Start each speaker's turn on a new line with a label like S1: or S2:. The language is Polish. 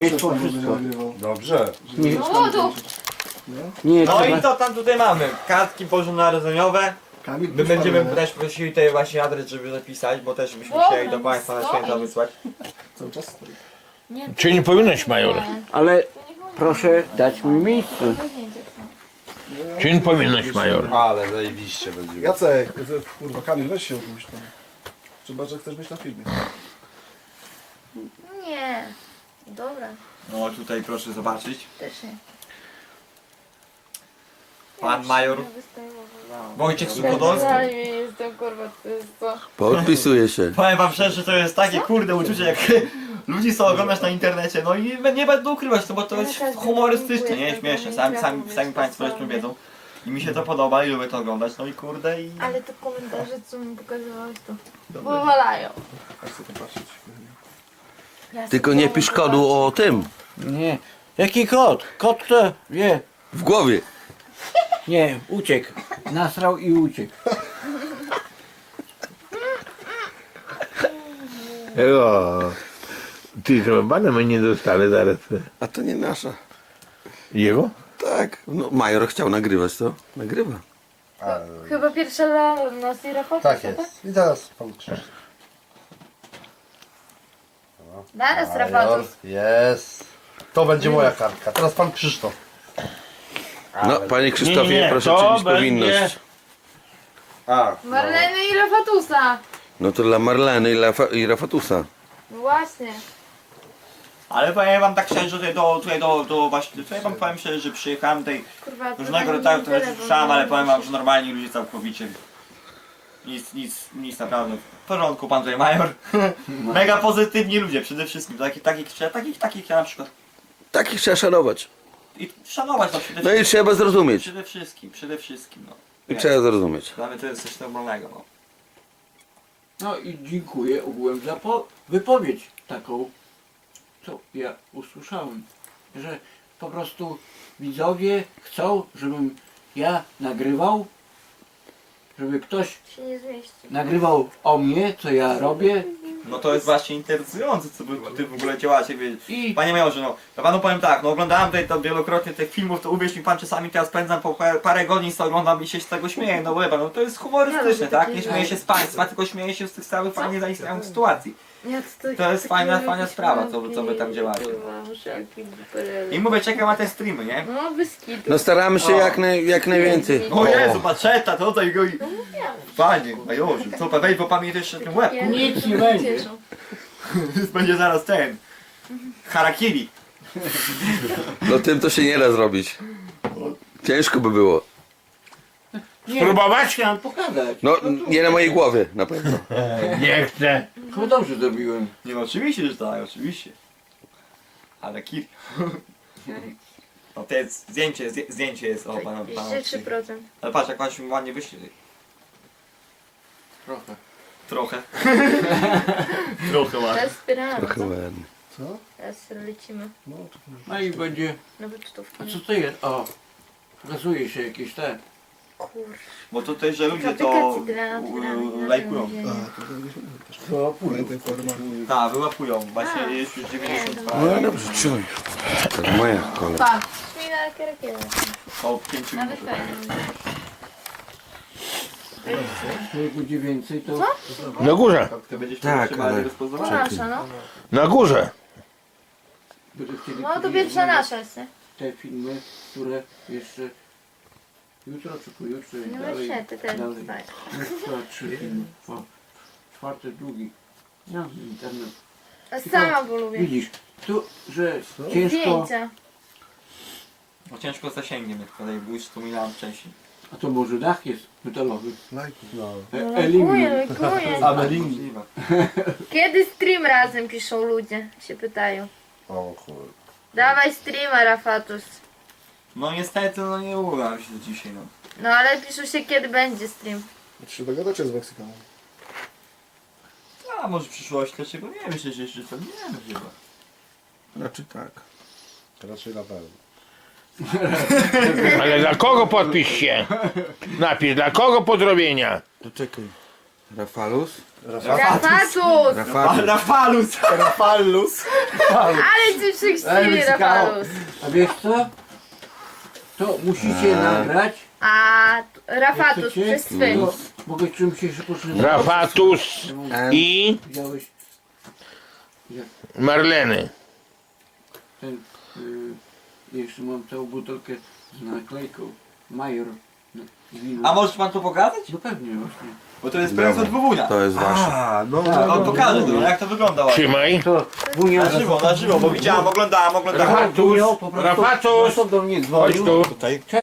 S1: Wszystko, wszystko.
S2: Dobrze.
S1: Nie,
S3: No to
S1: nie
S4: No
S1: trzeba...
S4: i co tam tutaj mamy? Kartki bożonarodzeniowe.
S2: Kamil,
S4: My będziemy też prosili tutaj właśnie adres, żeby zapisać, bo też byśmy chcieli do Państwa na święta wysłać.
S2: cały czas stoi.
S5: Czy nie powinnoś, major?
S1: Ale proszę dać mi miejsce.
S5: Czy nie powinnoś, major?
S2: Ale zajebiście będzie. Jacek, kurwa Kamil, weź się odpuść tam. Chyba, że chcesz być na filmie.
S3: nie. Dobra,
S4: No tutaj proszę zobaczyć.
S3: też nie.
S4: Pan major Wojciech Suchodolski.
S3: Ja nie jestem kurwa, to jest to.
S6: Podpisuję się.
S4: Powiem wam szczerze, że to jest takie kurde uczucie, jak ludzi co oglądasz na internecie, no i nie będę ukrywać to, bo to jest humorystyczne, nie? Śmieszne, sami Państwo zresztą wiedzą. I mi się to podoba i lubię to oglądać, no i kurde i...
S3: Ale te komentarze, co mi pokazywałeś, to powalają.
S2: Chcę to patrzeć.
S6: Tylko nie pisz kodu o tym.
S1: Nie. Jaki kot? Kot to wie.
S6: W głowie.
S1: Nie, uciekł. Nasrał i uciekł.
S5: O, ty chyba banemy nie dostali zaraz.
S6: A to nie nasza.
S5: Jego?
S6: Tak. No, major chciał nagrywać to. Nagrywa.
S3: Chyba pierwsza dla nas i Rafał.
S2: Tak jest. I teraz pan Krzysztof.
S3: Zaraz Rafał.
S2: Jest. To będzie moja kartka. Teraz pan Krzysztof.
S6: No, panie Krzysztofie,
S5: Nie,
S6: proszę
S5: to
S6: czynić
S5: będzie-
S6: powinność.
S2: A.
S3: Marleny i Rafatusa.
S6: No to dla Marleny i Rafatusa.
S3: No właśnie.
S4: Ale powiem wam tak szczerze, że tutaj wam powiem szczerze, że przyjechałem tutaj
S3: Kurwa,
S4: różnego rodzaju treści słyszałem, ale powiem wam, że normalni ludzie całkowicie. Nic naprawdę. W porządku pan tutaj major. Mega pozytywni ludzie przede wszystkim. Takich ja na przykład.
S6: Takich trzeba szanować.
S4: I szanować no przede
S6: No i
S4: wszystkim.
S6: trzeba zrozumieć.
S4: Przede wszystkim no.
S6: I trzeba zrozumieć.
S4: Dla mnie to jest coś normalnego no.
S1: No i dziękuję ogółem za wypowiedź taką, co ja usłyszałem. Że po prostu widzowie chcą, żebym ja nagrywał, żeby ktoś
S3: Się nie zmieści.
S1: nagrywał o mnie, co ja robię.
S4: No to jest właśnie interesujące, co wy ty w ogóle działacie, wie.
S1: I
S4: Panie majorze, no, ja panu powiem tak, no oglądałem tutaj to wielokrotnie tych filmów, to uwierz mi pan, czasami teraz spędzam po parę godzin, co oglądam i się z tego śmieję, no bo wie pan, no to jest humorystyczne, tak? Nie śmieję się z państwa, tylko śmieję się z tych całych fajnie zaistniałych sytuacji. To jest fajna sprawa, co wy tam działacie. I mówię, czekam na te streamy, nie?
S3: No wyskitu.
S6: No staramy się jak najwięcej.
S4: O Jezu, patrzeta, to tutaj go i... Panie majorze, co pan, weź, bo pan mnie jeszcze ten łeb,
S1: nic nie będzie.
S4: będzie zaraz ten... Harakiri.
S6: No tym to się nie da zrobić. Ciężko by było.
S5: Spróbować?
S1: Chciałem pokazać.
S6: No nie na mojej głowie na pewno.
S5: Nie chcę.
S1: Chyba dobrze zrobiłem.
S4: Nie no, oczywiście, że tak, oczywiście. Harakiri. No to jest zdjęcie jest o pana.
S3: 3%.
S4: Ale patrz, jak pan się ładnie wyśli.
S1: Trochę.
S4: Trochę. Trochę ładnie.
S3: Teraz wspieramy,
S6: Trochę
S3: co?
S6: ładnie.
S2: Co?
S3: Teraz lecimy
S2: No to
S1: No i będzie.
S3: na wyczutówki.
S1: A co to jest? O, pokazuje się jakieś te.
S3: Kur...
S4: Bo tutaj, że ludzie to
S3: Aplikacji dla
S4: lajkują.
S2: to pamiętaj formę.
S4: Tak, wyłapują. Właśnie jest już 92.
S6: No dobrze, czuj. To moja kolej.
S3: Pa! Śmij na kierakierę.
S4: O 5 minut.
S3: Nawet fajnie.
S1: Jak będzie więcej, to.
S5: Na górze.
S4: Ty będziesz
S6: Tak,
S4: trzymali
S6: ale-
S3: To
S4: rozpoznawać.
S3: nasza, no.
S5: Na górze.
S1: Będę chcieli
S3: No to pierwsza nasza jest, nie?
S1: te filmy, które jeszcze jutro czy pojutrze i
S3: No
S1: dalej.
S3: właśnie, ty też.
S1: dalej.
S3: Tak.
S1: Jeszcze 3 filmy. O, czwarty, drugi. No, internet.
S3: A sama bo lubię.
S1: Widzisz, tu, że ciężko.
S3: Zdjęcia.
S4: No ciężko z zasięgiem, jak tutaj już wspominałem wcześniej.
S1: A to może dach jest metalowy.
S2: Lajki. No.
S3: No,
S1: Aluminium.
S3: lajkuję.
S2: Amelin.
S4: Możliwe.
S3: Kiedy stream razem piszą ludzie? Się pytają.
S2: O kurde.
S3: Dawaj streama, Rafatus.
S4: No niestety, no nie uda mi się dzisiaj, no.
S3: No ale piszą się kiedy będzie stream.
S2: Czy się dogadacie z Meksykanem?
S4: A może w przyszłości, dlaczego nie? Myślę, że jeszcze to nie wiem chyba.
S6: Znaczy tak.
S2: Raczej na pewno.
S5: Ale dla kogo podpisz się? Napisz, dla kogo pozdrowienia?
S6: To czekaj. Rafalus?
S3: Rafatus!
S4: Rafalus!
S2: Rafalus.
S3: Ale ci przykrzywili
S1: Mexicano.
S3: Rafalus.
S1: A wiesz co? To musicie nagrać.
S3: A Rafatus
S1: Chcecie?
S3: przez swym.
S1: To mogę czym się potrzebować.
S5: Rafatus i
S1: Widziałeś
S5: Marleny.
S1: ten, jeszcze mam całą butelkę z naklejką Major. Wino.
S4: A możesz pan to pokazać?
S1: No pewnie właśnie.
S4: Bo to jest prezent od Wuwunia.
S6: To jest wasze.
S2: A, no,
S4: On pokaże to, jak to wygląda ładnie.
S5: Trzymaj.
S1: To Wunia
S4: Na żywo, bo widziałem, oglądałem.
S5: Rafatus.
S1: po prostu
S5: Rafatus.
S1: do mnie
S5: Chodź
S1: dzwonił.
S5: tu.